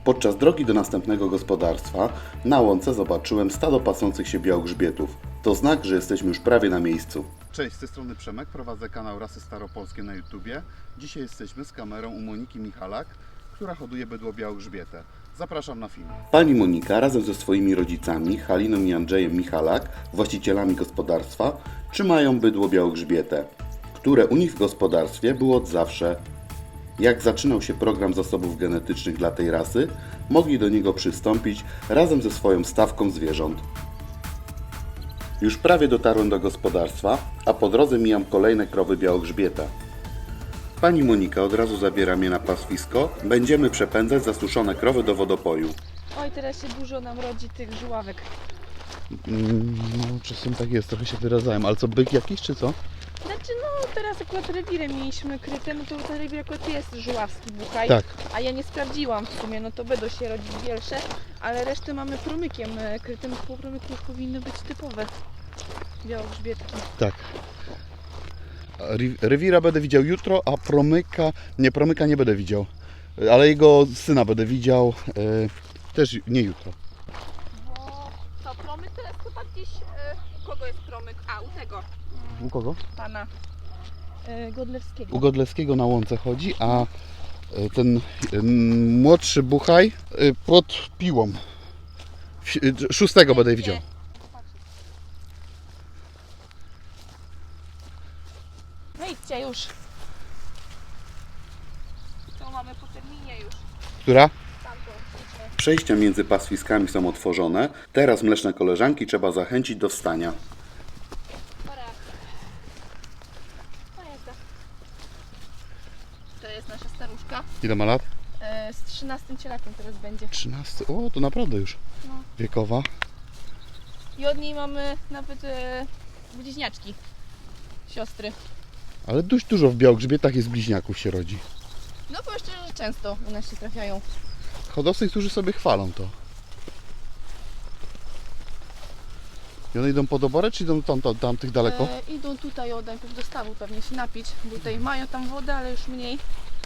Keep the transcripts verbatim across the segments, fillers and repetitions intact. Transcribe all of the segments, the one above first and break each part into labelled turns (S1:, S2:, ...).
S1: Podczas drogi do następnego gospodarstwa na łące zobaczyłem stado pasących się białogrzbietów. To znak, że jesteśmy już prawie na miejscu. Cześć, z tej strony Przemek, prowadzę kanał Rasy Staropolskie na YouTubie. Dzisiaj jesteśmy z kamerą u Moniki Michalak, która hoduje bydło białogrzbiete. Zapraszam na film. Pani Monika razem ze swoimi rodzicami, Haliną i Andrzejem Michalak, właścicielami gospodarstwa, trzymają bydło białogrzbiete, które u nich w gospodarstwie było od zawsze. Jak zaczynał się program zasobów genetycznych dla tej rasy, mogli do niego przystąpić razem ze swoją stawką zwierząt. Już prawie dotarłem do gospodarstwa, a po drodze mijam kolejne krowy białogrzbieta. Pani Monika od razu zabiera mnie na pastwisko. Będziemy przepędzać zasuszone krowy do wodopoju.
S2: Oj, teraz się dużo nam rodzi tych żuławek.
S1: No, czasem tak jest, trochę się wyrazałem. Ale co, byk jakiś czy co?
S2: Znaczy, no teraz akurat rewirem mieliśmy kryte, no to ten rewir akurat jest żuławski buchaj.
S1: Tak.
S2: A ja nie sprawdziłam w sumie, no to będą się rodzić większe, ale resztę mamy promykiem krytym. Po promyku już powinny być typowe białogrzbietki.
S1: Tak. Rewira będę widział jutro, a promyka, nie, promyka nie będę widział. Ale jego syna będę widział e, też nie jutro.
S2: Bo to promyk to jest chyba gdzieś, e, u kogo jest promyk? A, u tego.
S1: U kogo?
S2: Pana e, Godlewskiego.
S1: U Godlewskiego na łące chodzi, a e, ten e, młodszy buchaj e, pod piłą. W- e, Szóstego będę widział.
S2: No idźcie już. To mamy po terminie już.
S1: Która?
S2: Tamto, idźmy.
S1: Przejścia między pastwiskami są otworzone. Teraz mleczne koleżanki trzeba zachęcić do wstania.
S2: Para. To jest, to jest nasza staruszka.
S1: Ile ma lat?
S2: E, z trzynastym cielakiem teraz będzie.
S1: trzynaście. O, to naprawdę już
S2: No.
S1: wiekowa.
S2: I od niej mamy nawet e, bliźniaczki. Siostry.
S1: Ale dość dużo w białogrzbietach jest bliźniaków się rodzi.
S2: No powiem szczerze, że często u nas się trafiają.
S1: Hodowcy, którzy sobie chwalą to. I one idą pod oborę, czy idą tam, tam, tam tych daleko?
S2: E, idą tutaj od najpierw do stawu pewnie się napić, bo tutaj mają tam wodę, ale już mniej.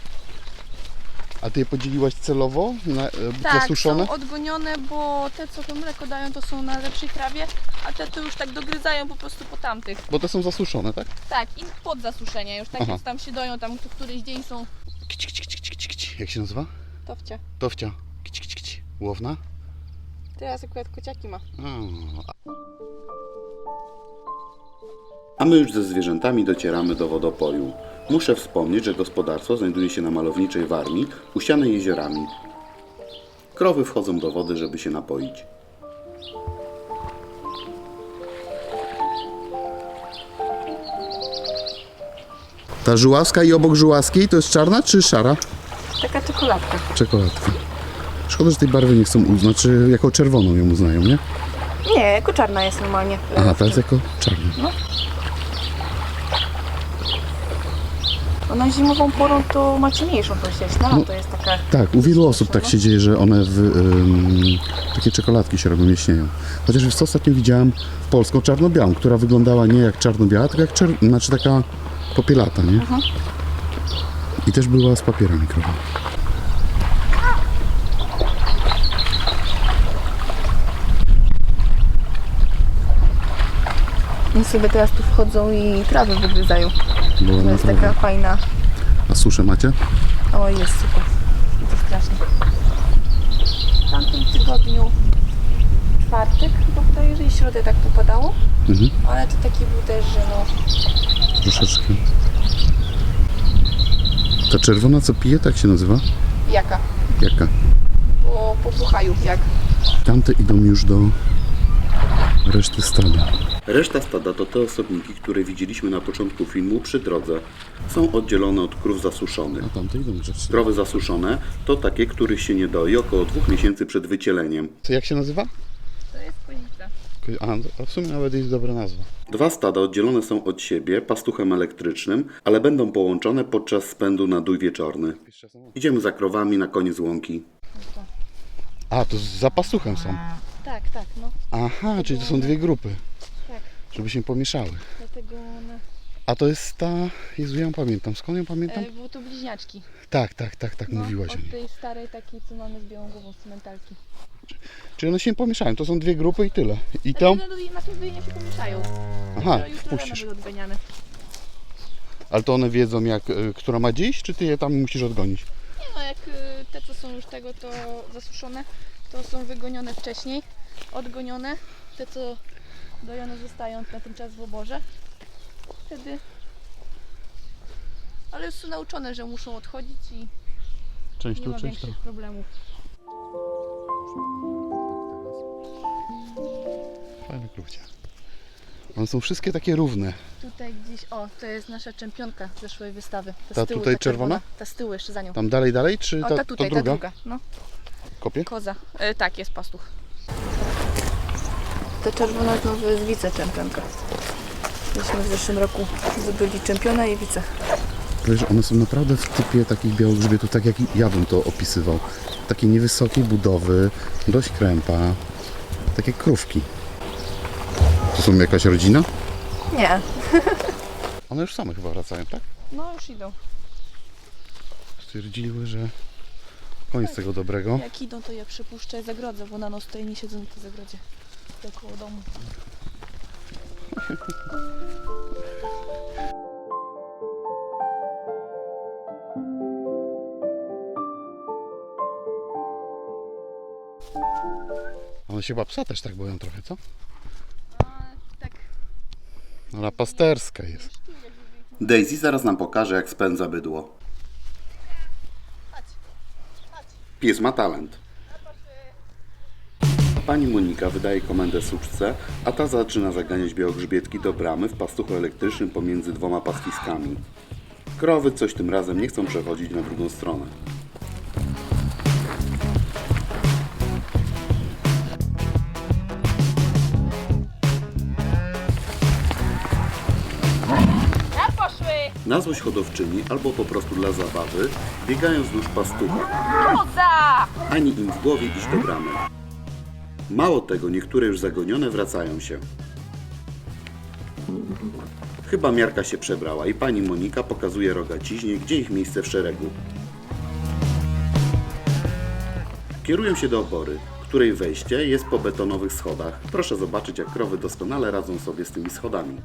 S1: A ty je podzieliłaś celowo na e,
S2: Tak,
S1: zasuszone?
S2: są odgonione, bo te co to mleko dają to są na lepszej trawie, a te to już tak dogryzają po prostu po tamtych.
S1: Bo te są zasuszone, tak?
S2: Tak, i pod zasuszenia już, tak
S1: Aha.
S2: więc tam się doją, tam co któryś dzień są
S1: Kici, kici, kici, kici, kici. Jak się nazywa?
S2: towcia.
S1: Towcia. Kici, kici, kici. Łowna?
S2: Teraz akurat kociaki ma.
S1: A. A my już ze zwierzętami docieramy do wodopoju. Muszę wspomnieć, że gospodarstwo znajduje się na malowniczej Warmii, usianej jeziorami. Krowy wchodzą do wody, żeby się napoić. Ta żułaska i obok żułaskiej to jest czarna czy szara?
S2: Taka czekoladka.
S1: Czekoladka. Szkoda, że tej barwy nie chcą uznać, znaczy jako czerwoną ją uznają, nie?
S2: Nie, jako czarna jest normalnie.
S1: Aha, ta jest jako czarna.
S2: No. Ona zimową porą to ma ciemniejszą tą sierść, no,
S1: No.
S2: to jest taka...
S1: Tak, u wielu osób tak się dzieje, że one w, ym, takie czekoladki się robią, jaśnieją. Chociaż wiesz co, ostatnio widziałem polską czarno-białą, która wyglądała nie jak czarno-biała, tylko jak czer- znaczy taka popielata, nie?
S2: Aha.
S1: I też była z papierami krowa.
S2: Oni sobie teraz tu wchodzą i trawę wygryzają.
S1: Była
S2: To jest
S1: naprawdę.
S2: taka fajna...
S1: A suszę macie?
S2: O, jest super. I to strasznie. W tamtym tygodniu czwartek, chyba wydaje, że i środę tak popadało,
S1: Mhm.
S2: ale to taki był też, że no...
S1: Troszeczkę. Ta czerwona co pije, tak się nazywa?
S2: Jaka?
S1: Jaka?
S2: Po, po puchaju, jak?
S1: Tamte idą już do reszty stada. Reszta stada to te osobniki, które widzieliśmy na początku filmu przy drodze. Są oddzielone od krów zasuszonych. A tamte idą rzeczy. Krowy zasuszone to takie, których się nie doi około dwóch miesięcy przed wycieleniem. Co, jak się nazywa?
S2: To jest kozica.
S1: A, a w sumie nawet jest dobra nazwa. Dwa stada oddzielone są od siebie pastuchem elektrycznym, ale będą połączone podczas spędu na dój wieczorny. Idziemy za krowami na koniec łąki. A, to za pastuchem są.
S2: Tak, tak, no.
S1: Aha, czyli to są dwie grupy,
S2: Tak,
S1: żeby się pomieszały.
S2: dlatego one
S1: A to jest ta... Jezu, ja ją pamiętam. Skąd ją pamiętam?
S2: E, było to bliźniaczki.
S1: Tak, tak, tak, tak,
S2: No,
S1: mówiłaś o
S2: od
S1: niej.
S2: tej starej takiej, co mamy z białą głową z cementalki.
S1: Czyli one się nie pomieszają, to są dwie grupy i tyle. I
S2: Znaczy,
S1: tą?
S2: no, na tym wyjeniu się pomieszają.
S1: Aha,
S2: Dopiero jutro rano
S1: wpuścisz.
S2: były odganiane.
S1: Ale to one wiedzą, jak, y, która ma dziś, czy ty je tam musisz odgonić?
S2: Nie no, jak y, te, co są już tego, to zasuszone, to są wygonione wcześniej, odgonione. Te, co dojone zostają na ten czas w oborze. Wtedy... Ale już są nauczone, że muszą odchodzić i
S1: Część
S2: nie
S1: tu,
S2: ma
S1: część tam.
S2: większych problemów.
S1: Fajne krówcie. One są wszystkie takie równe.
S2: Tutaj gdzieś, o, to jest nasza czempionka z zeszłej wystawy. Ta,
S1: Ta
S2: z tyłu,
S1: tutaj
S2: ta
S1: czerwona?
S2: Ta z tyłu jeszcze za nią.
S1: Tam dalej, dalej, czy
S2: O,
S1: ta,
S2: ta tutaj,
S1: to druga?
S2: ta druga. No,
S1: Kopie?
S2: koza. E, tak, jest pastuch. Ta czerwona znowu jest wiceczempionka. Myśmy w zeszłym roku zdobyli czempiona i wice.
S1: Wiesz, one są naprawdę w typie takich białogrzbietów, tak jak ja bym to opisywał. Takiej niewysokiej budowy, dość krępa, takie krówki. To są jakaś rodzina?
S2: Nie.
S1: One już same chyba wracają, tak?
S2: No już idą.
S1: Stwierdziły, że koniec tego dobrego.
S2: Jak idą, to je przypuszczę zagrodzę, bo na noc tutaj nie siedzą na tej zagrodzie. Tutaj koło domu.
S1: One się chyba psa też tak boją trochę, co?
S2: Tak.
S1: Ona pasterska jest. Daisy zaraz nam pokaże, jak spędza bydło. Pies ma talent. Pani Monika wydaje komendę suczce, a ta zaczyna zaganiać białogrzbietki do bramy w pastuchu elektrycznym pomiędzy dwoma pastwiskami. Krowy coś tym razem nie chcą przechodzić na drugą stronę. Na złość hodowczyni albo po prostu dla zabawy biegają wzdłuż pastucha.
S2: Koza!
S1: Ani im w głowie iść do bramy. Mało tego, niektóre już zagonione wracają się. Chyba miarka się przebrała i pani Monika pokazuje rogaciźnie, gdzie ich miejsce w szeregu. Kierują się do obory, której wejście jest po betonowych schodach. Proszę zobaczyć, jak krowy doskonale radzą sobie z tymi schodami.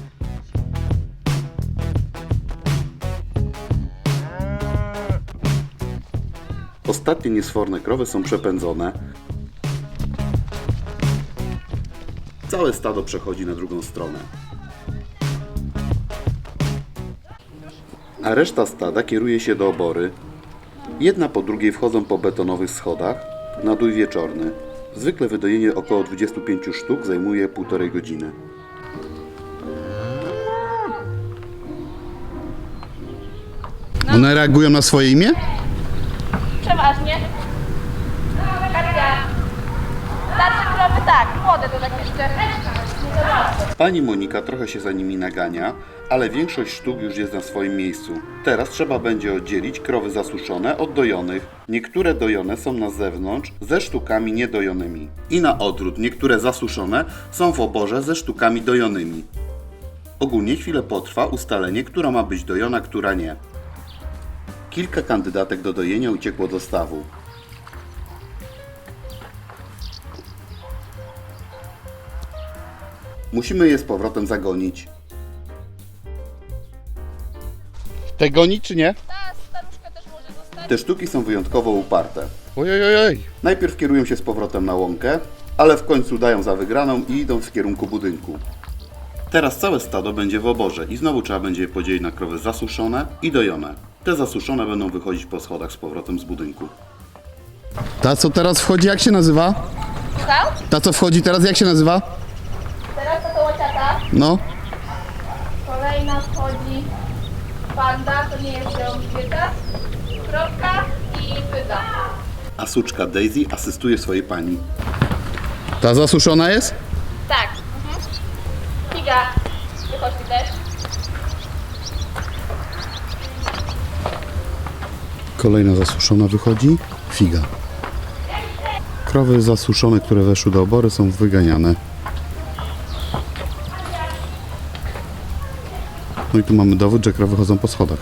S1: Ostatnie niesforne krowy są przepędzone. Całe stado przechodzi na drugą stronę. A reszta stada kieruje się do obory. Jedna po drugiej wchodzą po betonowych schodach na dół wieczorny. Zwykle wydojenie około dwudziestu pięciu sztuk zajmuje półtorej godziny. One reagują na swoje imię?
S2: Przeważnie. Katia. Starsze krowy tak, młode to tak jeszcze.
S1: Pani Monika trochę się za nimi nagania, ale większość sztuk już jest na swoim miejscu. Teraz trzeba będzie oddzielić krowy zasuszone od dojonych. Niektóre dojone są na zewnątrz ze sztukami niedojonymi. I na odwrót, niektóre zasuszone są w oborze ze sztukami dojonymi. Ogólnie chwilę potrwa ustalenie, która ma być dojona, która nie. Kilka kandydatek do dojenia uciekło do stawu. Musimy je z powrotem zagonić. Te gonić czy nie?
S2: Ta staruszka też może zostać.
S1: Te sztuki są wyjątkowo uparte. Ojojojoj. Najpierw kierują się z powrotem na łąkę, ale w końcu dają za wygraną i idą w kierunku budynku. Teraz całe stado będzie w oborze i znowu trzeba będzie je podzielić na krowy zasuszone i dojone. Te zasuszone będą wychodzić po schodach z powrotem z budynku. Ta co teraz wchodzi, jak się nazywa?
S2: Słuchał?
S1: Ta co wchodzi teraz, jak się nazywa?
S2: Teraz to łaciata.
S1: No.
S2: Kolejna wchodzi panda, to nie jest białogrzbieta. Kropka i pyda.
S1: A suczka Daisy asystuje swojej pani. Ta zasuszona jest?
S2: Tak. Mhm. Figa. Wychodź mi też.
S1: Kolejna zasuszona wychodzi. Figa. Krowy zasuszone, które weszły do obory, są wyganiane. No i tu mamy dowód, że krowy chodzą po schodach.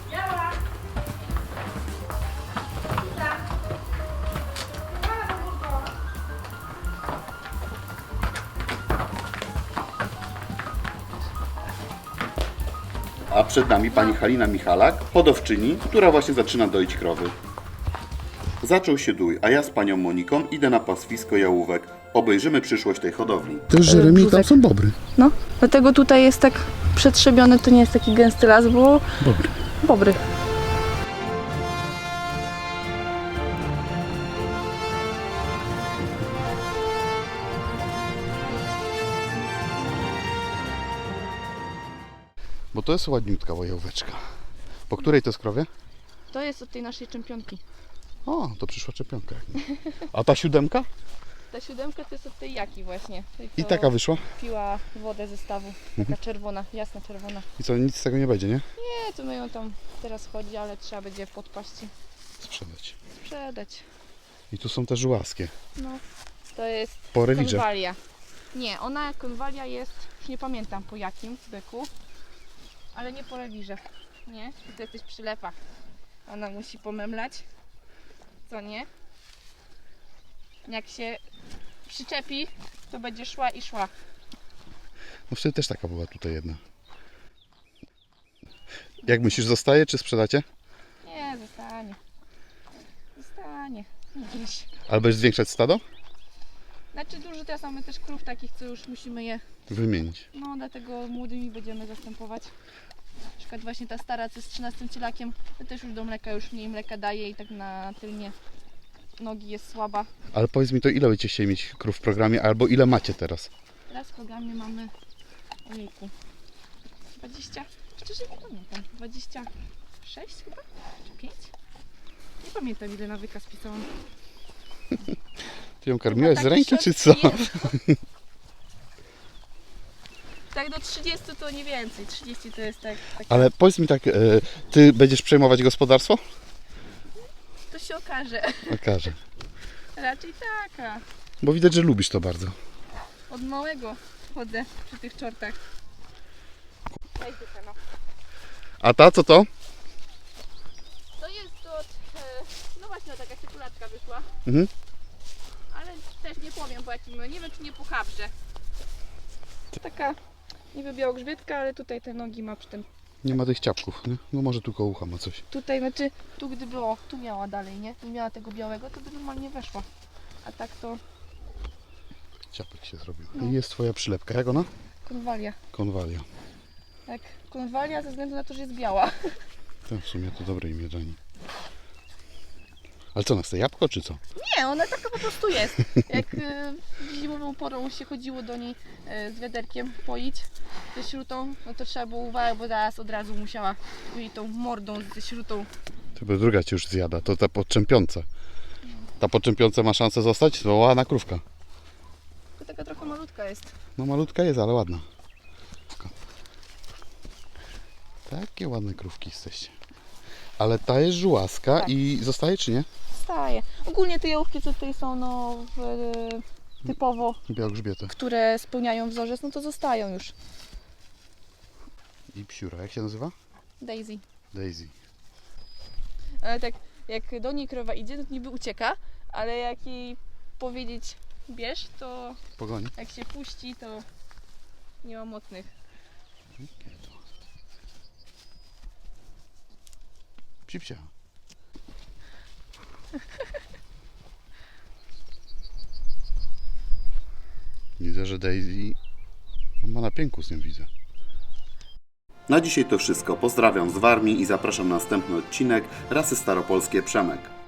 S1: A przed nami pani Halina Michalak, hodowczyni, która właśnie zaczyna doić krowy. Zaczął się dój, a ja z panią Moniką idę na pastwisko jałówek. Obejrzymy przyszłość tej hodowli. To jest Jeremy i tam są bobry.
S2: No, dlatego tutaj jest tak przetrzebiony, to nie jest taki gęsty las, bo
S1: Bobry.
S2: bobry.
S1: Bo to jest ładniutka jałóweczka. Po której to jest krowie?
S2: To jest od tej naszej czempionki.
S1: O, to przyszła czempionka. A ta siódemka?
S2: Ta siódemka to jest od tej Jaki właśnie. Tej,
S1: I
S2: co
S1: taka wyszła?
S2: piła wodę ze stawu. Taka czerwona, jasna czerwona.
S1: I co, nic z tego nie będzie, nie?
S2: Nie, to my ją tam teraz chodzi, ale trzeba będzie podpaść i
S1: Sprzedać.
S2: sprzedać.
S1: I tu są te żułaskie.
S2: No, to jest
S1: Po rewirze.
S2: konwalia. Nie, ona konwalia jest, już nie pamiętam po jakim byku, ale nie po rewirze. Nie, to jesteś przylepa. Ona musi pomemlać. Co nie? Jak się przyczepi, to będzie szła i szła.
S1: No wtedy też taka była tutaj jedna. Jak myślisz, zostaje czy sprzedacie?
S2: Nie, zostanie. Zostanie. Gdzieś.
S1: Albo będziesz zwiększać stado?
S2: Znaczy dużo teraz mamy też krów takich, co już musimy je,
S1: Wymienić.
S2: no dlatego młodymi będziemy zastępować. Na przykład właśnie ta stara, co jest trzynastym cielakiem, to też już do mleka, już mniej mleka daje i tak na tylnie nogi jest słaba.
S1: Ale powiedz mi to, ile będziecie chcieli mieć krów w programie, albo ile macie teraz?
S2: Teraz w programie mamy, ojejku, dwadzieścia, szczerze nie pamiętam, dwadzieścia sześć chyba, czy pięć? Nie pamiętam, ile na wykaz pisałam.
S1: Ty ją karmiłeś z
S2: Taki
S1: ręki,
S2: szok-
S1: czy co?
S2: Nie. Tak do trzydziestu to nie więcej, trzydzieści to jest tak, tak
S1: Ale powiedz mi tak, e, ty będziesz przejmować gospodarstwo?
S2: to się okaże.
S1: Okaże.
S2: Raczej taka.
S1: Bo widać, że lubisz to bardzo.
S2: Od małego chodzę przy tych czortach. Daj dychę, no.
S1: A ta co to?
S2: To jest od, e, no właśnie taka cykulatka wyszła,
S1: Mhm.
S2: ale też nie powiem po jakim, nie wiem czy nie po chabrze. Taka niby białogrzbietka, ale tutaj te nogi ma przy tym.
S1: Nie ma tych ciapków, nie? No może tu koło ucha ma coś.
S2: Tutaj, znaczy tu gdyby, o, tu miała dalej, nie? Tu miała tego białego, to by normalnie weszła. A tak to
S1: Ciapek się zrobił.
S2: No.
S1: I jest twoja przylepka. Jak ona?
S2: konwalia.
S1: Konwalia.
S2: Tak, konwalia ze względu na to, że jest biała.
S1: To w sumie to dobre imię dla niej. Ale co, na te jabłko czy co?
S2: Nie, ona taka po prostu jest. Jak y, zimową porą się chodziło do niej y, z wiaderkiem poić ze śrutą, no to trzeba było uważać, bo zaraz od razu musiała jej tą mordą ze śrutą.
S1: To by druga cię już zjada, to ta podczempiąca. Ta podczempiąca ma szansę zostać? To ładna krówka.
S2: To taka trochę malutka jest.
S1: No malutka jest, ale ładna. Takie ładne krówki jesteście. Ale ta jest żułaska
S2: Tak.
S1: i zostaje czy nie?
S2: Staje. Ogólnie te jałówki, co tutaj są, no w, typowo,
S1: Białogrzbiety.
S2: które spełniają wzorzec, no to zostają już.
S1: I psiura, jak się nazywa?
S2: Daisy.
S1: Daisy.
S2: Ale tak, jak do niej krowa idzie, to niby ucieka, ale jak jej powiedzieć bierz, to
S1: Pogoni.
S2: jak się puści, to nie ma mocnych.
S1: Psipsia. Widzę, że Daisy ma na pięku z nią, widzę. Na dzisiaj to wszystko. Pozdrawiam z Warmii i zapraszam na następny odcinek Rasy Staropolskie Przemek.